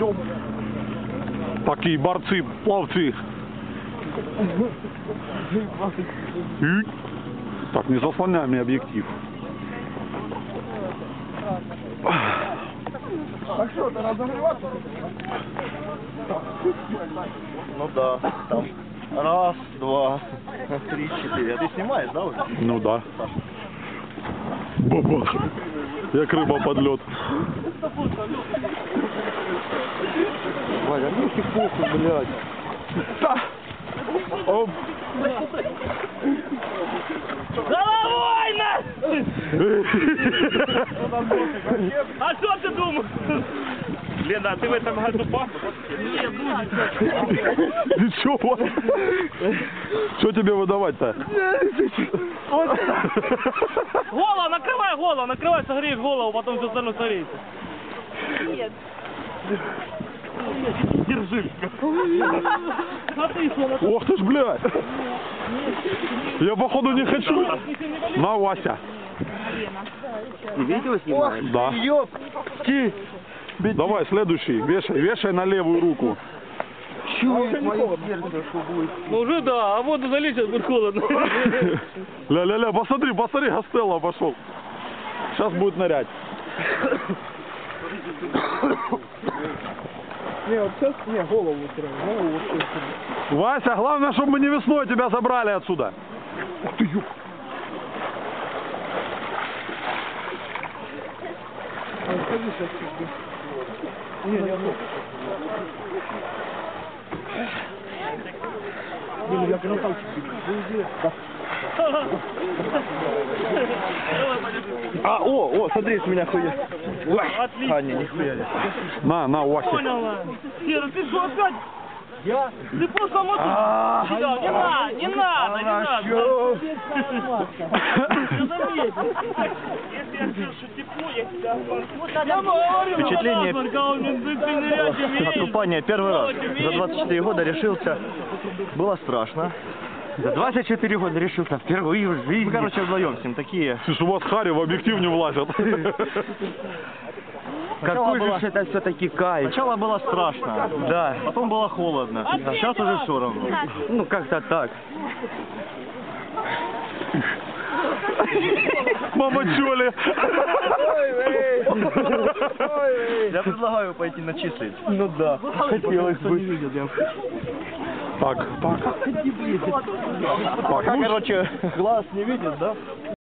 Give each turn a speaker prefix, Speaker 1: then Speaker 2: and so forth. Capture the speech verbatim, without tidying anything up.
Speaker 1: Такие борцы, пловцы. Так, не заслоняй мне объектив.
Speaker 2: А что, это разогреваться?
Speaker 3: Ну да, там. Раз, два, три, четыре. А ты снимаешь, да, уже?
Speaker 1: Ну да. Бабах. Як рыба под лед.
Speaker 3: Валя, ну ты похуй, блядь.
Speaker 1: Да. Оп.
Speaker 4: Головой нас! А что ты думаешь? Лена, а ты в этом году пахнешь? Не, будет.
Speaker 1: Ничего. Что тебе выдавать-то?
Speaker 4: Голову, накрывай голову, накрывай, согреешь голову, потом все остальное согреется. Нет. Держи. А ты что?
Speaker 1: Ох ты ж, блядь. Я походу не хочу. На, Вася.
Speaker 3: Ты видео снимаешь?
Speaker 1: Да.
Speaker 3: Ёпти.
Speaker 1: Давай, следующий. Вешай, вешай на левую руку.
Speaker 3: Чует мое сердце, что будет.
Speaker 4: Ну уже да, а воду залить, сейчас будет холодно.
Speaker 1: Ля-ля-ля, посмотри, посмотри, Гастелло пошел. Сейчас будет нырять.
Speaker 2: Не, вот сейчас, не, голову сразу, голову вот сюда.
Speaker 1: Вася, главное, чтобы мы не весной тебя забрали отсюда. Ух ты, ёп.
Speaker 2: А, сходи сейчас чуть-чуть. Не, я ну. Не, я красавчик.
Speaker 3: А, о, о, смотри, с меня хуя.
Speaker 4: Отлично.
Speaker 3: А, не, нихуя не.
Speaker 1: На, на, Вася.
Speaker 4: Поняла. Сера, ты что опять?
Speaker 2: Я?
Speaker 4: Ты просто мотор.
Speaker 3: А,
Speaker 4: Не надо, не надо, не надо.
Speaker 3: Хорошо.
Speaker 4: Я заметил. Если я скажу, что тепло, я тебя обманю.
Speaker 3: Впечатление
Speaker 4: Впечатление.
Speaker 3: от купания первый раз. За двадцать четыре года решился. Было страшно. За двадцать четыре года решился впервые в жизни. Мы, короче, вдвоем с ним такие.
Speaker 1: Слушай, у вас Харри в объектив не влазят.
Speaker 3: Какой же это все-таки кайф. Сначала было страшно, да. Потом было холодно. А сейчас уже все равно. Ну, как-то так.
Speaker 1: Мама чоли.
Speaker 3: Я предлагаю пойти на часы. Ну да. Хотелось бы.
Speaker 1: Так, так.
Speaker 3: Пока, короче, глаз не видит, да?